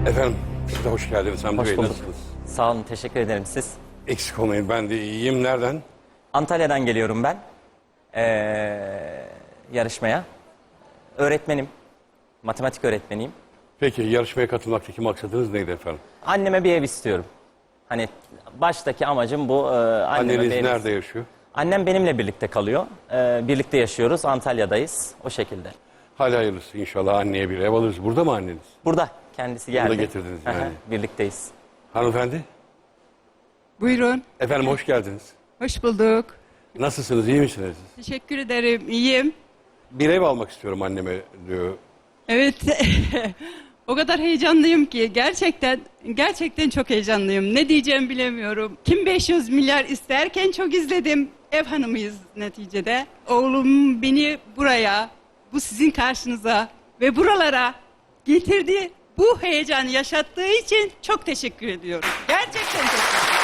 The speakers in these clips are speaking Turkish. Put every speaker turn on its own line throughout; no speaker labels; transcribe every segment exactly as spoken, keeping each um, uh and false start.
Efendim, siz de hoş geldiniz Hamdi
Hoş
Bey,
bulduk.
nasılsınız?
Sağ olun, teşekkür ederim. Siz?
Eksik olmayın, ben de iyiyim. Nereden?
Antalya'dan geliyorum ben. Ee, yarışmaya. Öğretmenim. Matematik öğretmeniyim.
Peki, yarışmaya katılmaktaki maksadınız neydi efendim?
Anneme bir ev istiyorum. Hani baştaki amacım bu. E, anneme
Anneniz
bir ev
nerede
istiyorum.
yaşıyor?
Annem benimle birlikte kalıyor. Ee, birlikte yaşıyoruz. Antalya'dayız. O şekilde.
Hadi hayırlısı, inşallah anneye bir ev alırız. Burada mı anneniz?
Burada. Kendisi geldi.
Burada getirdiniz yani.
Aha, birlikteyiz.
Hanımefendi?
Buyurun.
Efendim, hoş geldiniz.
Hoş bulduk.
Nasılsınız, iyi misiniz?
Teşekkür ederim. İyiyim.
Bir ev almak istiyorum anneme diyor.
Evet. O kadar heyecanlıyım ki gerçekten gerçekten çok heyecanlıyım. Ne diyeceğimi bilemiyorum. Kim beş yüz milyar isterken çok izledim. Ev hanımıyız neticede. Oğlum beni buraya, bu sizin karşınıza ve buralara getirdi. Bu heyecanı yaşattığı için çok teşekkür ediyorum. Gerçekten çok teşekkür ederim.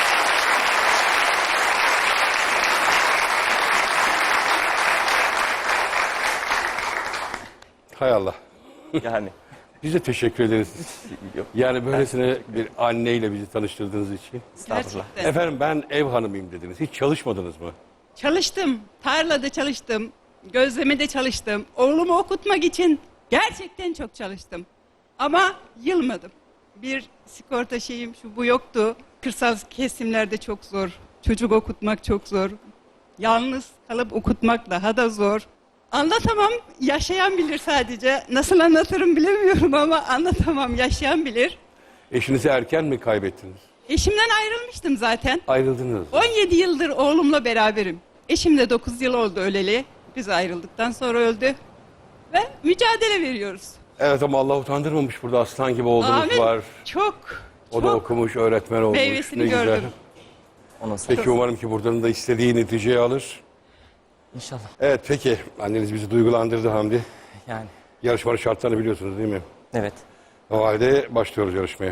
Hay Allah.
Yani.
Biz de teşekkür ederiz. Yani böylesine bir anneyle bizi tanıştırdığınız için.
Estağfurullah.
Gerçekten.
Efendim, ben ev hanımıyım dediniz. Hiç çalışmadınız mı?
Çalıştım. Tarlada çalıştım. Gözlemede çalıştım. Oğlumu okutmak için gerçekten çok çalıştım. Ama yılmadım. Bir sigorta şeyim şu bu yoktu. Kırsal kesimlerde çok zor. Çocuk okutmak çok zor. Yalnız kalıp okutmak daha da zor. Anlatamam. Yaşayan bilir sadece. Nasıl anlatırım bilemiyorum ama anlatamam. Yaşayan bilir.
Eşinizi erken mi kaybettiniz?
Eşimden ayrılmıştım zaten.
Ayrıldınız.
on yedi yıldır oğlumla beraberim. Eşim de dokuz yıl oldu öleli. Biz ayrıldıktan sonra öldü. Ve mücadele veriyoruz.
Evet, ama Allah utandırmamış, burada aslan gibi oğlunuz
Amin.
var.
Çok,
O da
çok
okumuş, öğretmen olmuş.
meyvesini
Ne güzel.
gördüm.
Onun sayesinde.
Peki, umarım ki buradan da istediği neticeyi alır.
İnşallah.
Evet, peki. Anneniz bizi duygulandırdı Hamdi.
Yani.
Yarışmanın şartlarını biliyorsunuz değil mi?
Evet.
O halde başlıyoruz yarışmaya.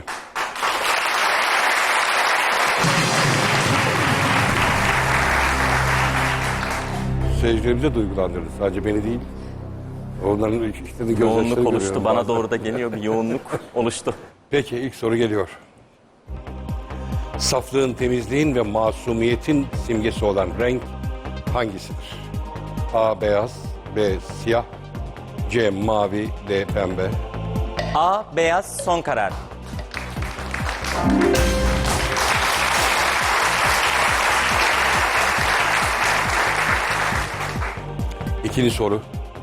Seyircilerimizi de duygulandırdı. Sadece beni değil. Onların işlerini
Yoğunluk oluştu. Bana doğru da geliyor bir yoğunluk oluştu.
Peki, ilk soru geliyor. Saflığın, temizliğin ve masumiyetin simgesi olan renk hangisidir? A. Beyaz, B. Siyah, C. Mavi, D. Pembe.
A. Beyaz son karar.
İkinci soru.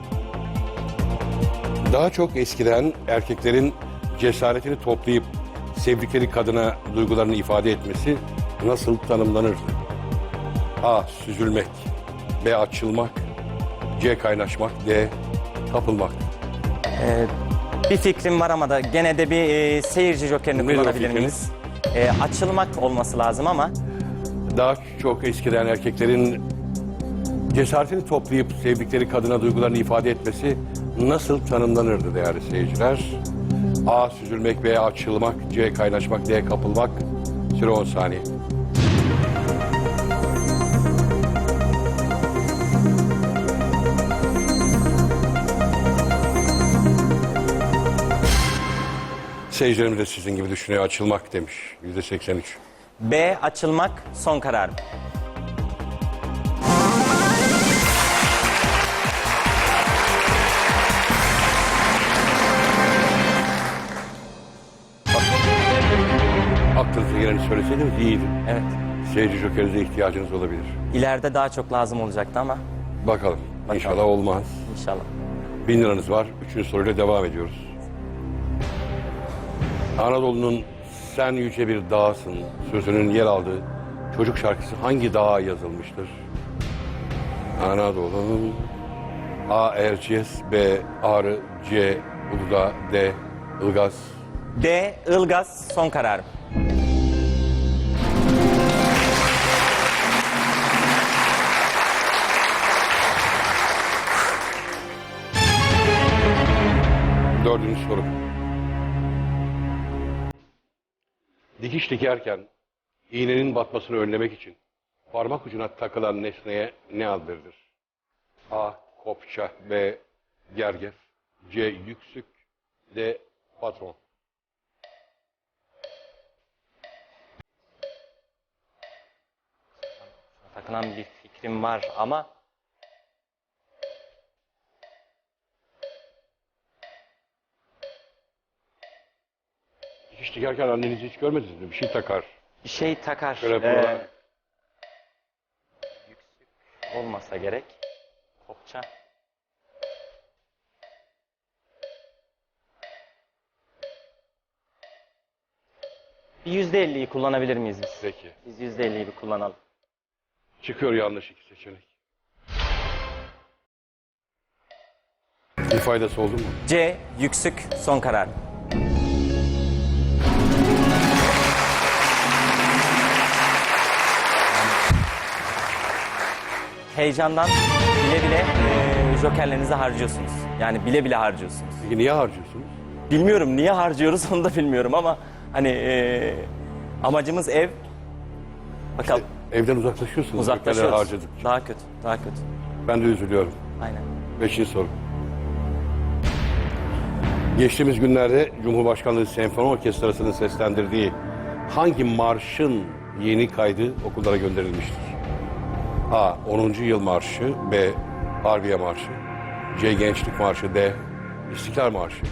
Daha çok eskiden erkeklerin cesaretini toplayıp sevdikleri kadına duygularını ifade etmesi nasıl tanımlanırdı? A. Süzülmek, B. Açılmak, C. Kaynaşmak, D. Kapılmak.
Ee, bir fikrim var ama da gene de bir e, seyirci jokerini
Nedir o
kullanabilir
fikriniz?
miyiz? Ee, açılmak olması lazım ama
Daha çok eskiden erkeklerin cesaretini toplayıp sevdikleri kadına duygularını ifade etmesi nasıl tanımlanırdı değerli seyirciler? A. Süzülmek, B. Açılmak, C. Kaynaşmak, D. Kapılmak. Süre on saniye. Seyircilerimiz de sizin gibi düşünüyor. Açılmak demiş. Yüzde seksen üç.
B. Açılmak son karar.
Aklınıza geleni söyleseydiniz iyiydi.
Evet.
Seyirci jokerinize ihtiyacınız olabilir.
İleride daha çok lazım olacaktı ama
Bakalım. İnşallah olmaz.
inşallah.
Bin liranız var. Üçüncü soruyla devam ediyoruz. Anadolu'nun sen yüce bir dağsın sözünün yer aldığı çocuk şarkısı hangi dağa yazılmıştır? Anadolu'nun A. Erciyes, B. Ağrı, C. Uludağ, D. Ilgaz.
D. Ilgaz son karar.
Dördüncü soru. Dikiş dikerken iğnenin batmasını önlemek için parmak ucuna takılan nesneye ne ad verilir? A. Kopça, B. Gergef, C. Yüksük, D. Patron.
takılan bir fikrim var ama
Dikiş dikerken annenizi hiç görmediniz mi? Bir şey takar.
bir şey takar.
Şöyle
Ee,
buralar.
yüksek olmasa gerek. Kopça. Bir yüzde elliyi kullanabilir miyiz biz?
Peki.
Biz yüzde elliyi bir kullanalım.
Çıkıyor yanlış iki seçenek. Bir faydası oldu mu?
C. Yüksük son karar. Heyecandan bile bile e, jokerlerinizi harcıyorsunuz. Yani bile bile harcıyorsunuz.
Peki niye harcıyorsunuz?
Bilmiyorum niye harcıyoruz onu da bilmiyorum ama hani e, amacımız ev. Bakalım
Evden uzaklaşıyorsunuz.
uzaklaşıyoruz.
Jokerleri harcadık.
Daha kötü, daha kötü.
Ben de üzülüyorum.
Aynen.
Beşinci soru. Geçtiğimiz günlerde Cumhurbaşkanlığı Senfoni Orkestrası'nın seslendirdiği hangi marşın yeni kaydı okullara gönderilmiştir? A. onuncu Yıl Marşı. B. Harbiye Marşı. C. Gençlik Marşı. D. İstiklal Marşı.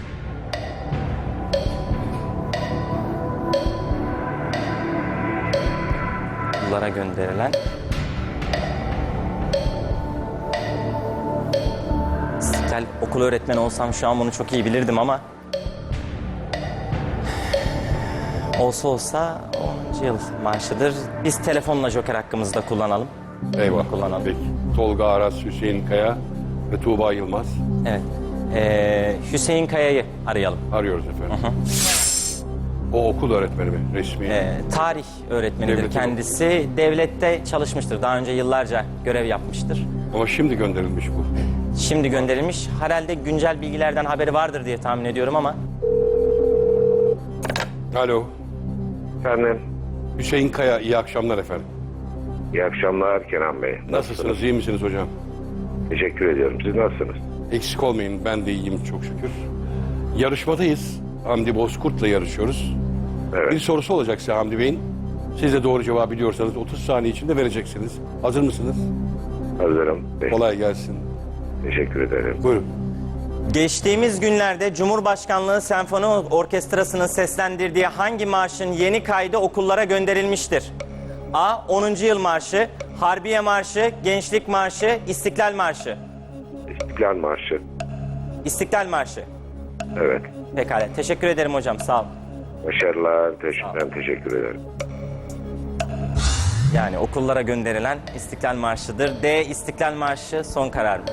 Okullara gönderilen İstiklal okul öğretmeni olsam şu an bunu çok iyi bilirdim ama olsa olsa onuncu yıl marşıdır. Biz telefonla joker hakkımızı da kullanalım.
Eyvah.
Kullanalım.
Peki. Tolga Aras, Hüseyin Kaya ve Tuğba Yılmaz.
Evet. Ee, Hüseyin Kaya'yı arayalım.
Arıyoruz efendim. O okul öğretmeni mi? Resmi.
Ee, tarih öğretmenidir
Devletin
kendisi. Devlette çalışmıştır. Daha önce yıllarca görev yapmıştır.
Ama şimdi gönderilmiş bu.
Şimdi gönderilmiş. Herhalde güncel bilgilerden haberi vardır diye tahmin ediyorum ama.
Alo.
Efendim,
Hüseyin Kaya, iyi akşamlar efendim.
iyi akşamlar Kenan Bey.
Nasılsınız, iyi misiniz hocam?
Teşekkür ediyorum. Siz nasılsınız?
Eksik olmayın, ben de iyiyim çok şükür. Yarışmadayız. Hamdi Bozkurt'la yarışıyoruz.
Evet.
Bir sorusu olacak size Hamdi Bey'in. Siz de doğru cevabı biliyorsanız otuz saniye içinde vereceksiniz. Hazır mısınız?
Hazırım. Te-
Kolay gelsin.
Teşekkür ederim.
Buyurun.
Geçtiğimiz günlerde Cumhurbaşkanlığı Senfoni Orkestrası'nın seslendirdiği hangi marşın yeni kaydı okullara gönderilmiştir? A. onuncu Yıl Marşı, Harbiye Marşı, Gençlik Marşı, İstiklal Marşı.
İstiklal Marşı.
İstiklal Marşı.
Evet.
Pekala. Teşekkür ederim hocam. Sağ ol.
Başarılar. Teş- ben teşekkür ederim.
Yani okullara gönderilen İstiklal Marşı'dır. D. İstiklal Marşı son karar mı?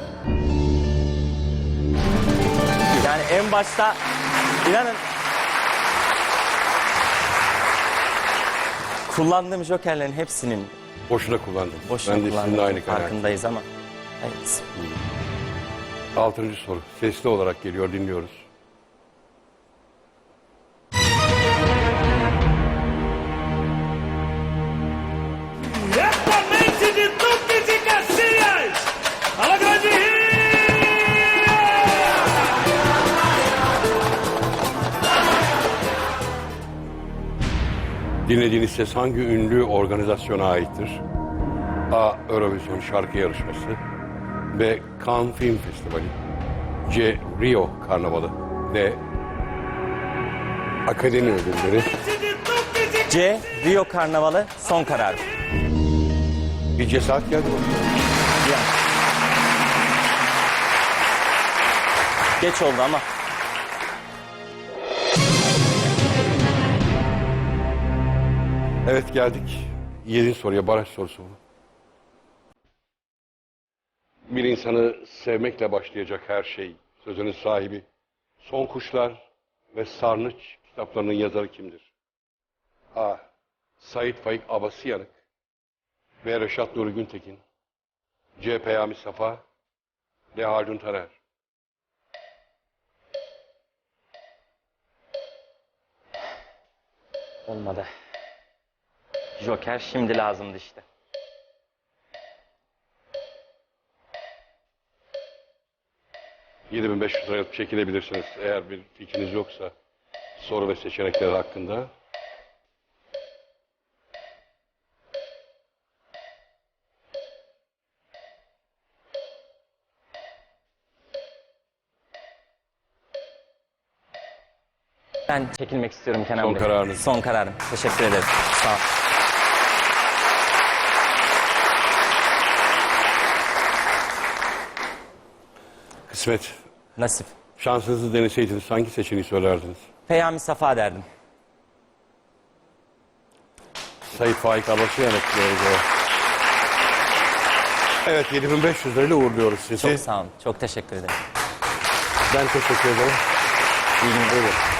Yani en başta inanın kullandığım jokerlerin hepsinin
Boşuna kullandım.
boşuna
ben de sizinle
kullandığım
aynı karar.
farkındayız ama. Evet.
Altıncı soru. Sesli olarak geliyor, dinliyoruz.
Diretamente de Duque de Caxias, a la grande Rio!
Dinlediğiniz ses hangi ünlü organizasyona aittir? A. Eurovision şarkı yarışması. B. Cannes Film Festivali. C. Rio Karnavalı. D. Akademi ödülleri.
De Duque de
C. Rio Karnavalı son karar mı?
Bir cesaret geldi bana.
Yani. Geç oldu ama.
Evet geldik. Yedinci soruya, baraj sorusu bu. Bir insanı sevmekle başlayacak her şey, sözünün sahibi. Son Kuşlar ve Sarnıç kitaplarının yazarı kimdir? A. Sait Faik Abasıyanık. B. Reşat Nuri Güntekin. C. Peyami Safa. D. Haldun Taner.
Olmadı. Joker şimdi lazımdı işte.
yedi bin beş yüz liraya çekilebilirsiniz eğer bir fikriniz yoksa soru ve seçenekler hakkında.
Ben çekilmek istiyorum Kenan
Son
Bey.
kararınız.
Son kararım. Teşekkür ederim. Sağ ol.
Kısmet.
Nasip.
Şansınızı deneseydiniz hangi seçeneği söylerdiniz?
Peyami Safa derdim.
Sayın Faik Abaşı yanıtlıyoruz. Evet, yedi bin beş yüz lirayla uğurluyoruz sizi.
Çok sağ olun. Çok teşekkür ederim.
Ben teşekkür ederim.
İyi günler.
Buyurun.